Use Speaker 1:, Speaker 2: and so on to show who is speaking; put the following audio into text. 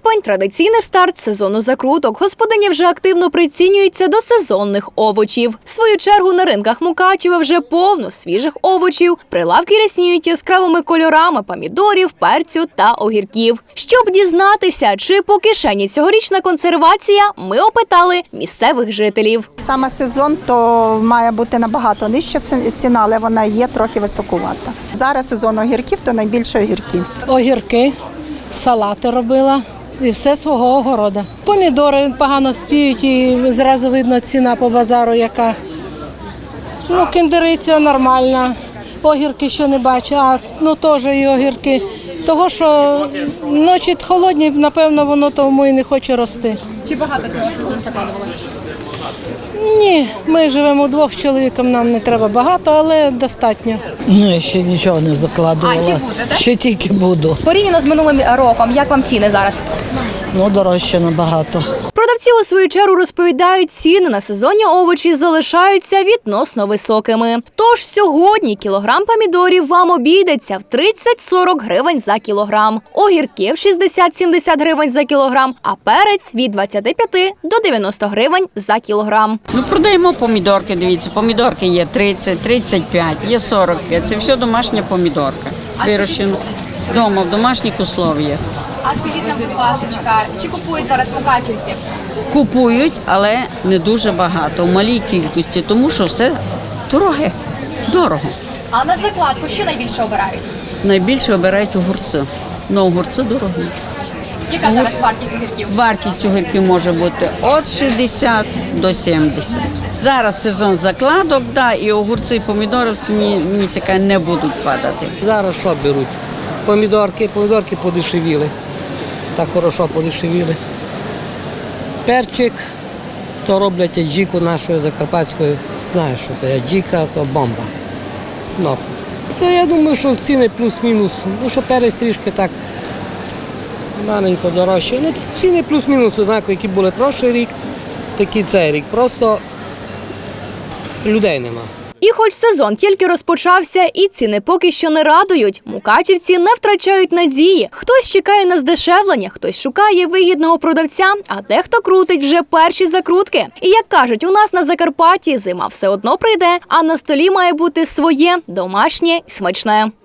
Speaker 1: Липень – традиційний старт сезону закруток. Господині вже активно прицінюються до сезонних овочів. В свою чергу на ринках Мукачева вже повно свіжих овочів. Прилавки рясніють яскравими кольорами помідорів, перцю та огірків. Щоб дізнатися, чи по кишені цьогорічна консервація, ми опитали місцевих жителів.
Speaker 2: Саме сезон, то має бути набагато нижча ціна, але вона є трохи високувата. Зараз сезон огірків, то найбільше огірків.
Speaker 3: Огірки, салати робила і все свого огорода. Помідори погано спіють і зразу видно ціна по базару яка. Кіндериця нормальна, огірки ще не бачу, теж і огірки. Того, що ночі холодні, напевно, воно тому і не хоче рости.
Speaker 1: Чи багато цього сезону закладували?
Speaker 3: Ні, ми живемо вдвох з чоловіком, нам не треба багато, але достатньо.
Speaker 4: Я ще нічого не закладувала.
Speaker 1: А чи будете?
Speaker 4: Ще тільки буду.
Speaker 1: Порівняно з минулим роком, як вам ціни зараз?
Speaker 4: Дорожче набагато.
Speaker 1: Продавці у свою чергу розповідають, ціни на сезонні овочі залишаються відносно високими. Тож сьогодні кілограм помідорів вам обійдеться в 30-40 гривень за кілограм, огірків 60-70 гривень за кілограм, а перець від 25 до 90 гривень за кілограм.
Speaker 5: Продаємо помідорки, дивіться, помідорки є 30, 35, є 45, це все домашня помідорка. Вирощена вдома, в домашніх условіях.
Speaker 1: А скажіть нам, будь ласка, чи купують зараз мукачівці?
Speaker 5: Купують, але не дуже багато, в малій кількості, тому що все дорого.
Speaker 1: А на закладку що найбільше обирають?
Speaker 5: Найбільше обирають огурці, огурці дорогі.
Speaker 1: Яка зараз вартість огірків?
Speaker 5: Вартість огірків може бути від 60 до 70. Зараз сезон закладок, і огурці, і помідори в ціні, мені цікаво, не будуть падати.
Speaker 6: Зараз що беруть? Помідорки подешевіли. Так хорошо подешевіли. Перчик, то роблять аджіку нашою закарпатською. Знаєш, що це аджіка, то бомба. Я думаю, що ціни плюс-мінус. Що перець трішки так маленько дорожче. Ціни плюс-мінус однакові, які були прошлий рік, такі цей рік. Просто людей нема.
Speaker 1: І хоч сезон тільки розпочався і ціни поки що не радують, мукачівці не втрачають надії. Хтось чекає на здешевлення, хтось шукає вигідного продавця, а дехто крутить вже перші закрутки. І як кажуть, у нас на Закарпатті зима все одно прийде, а на столі має бути своє, домашнє і смачне.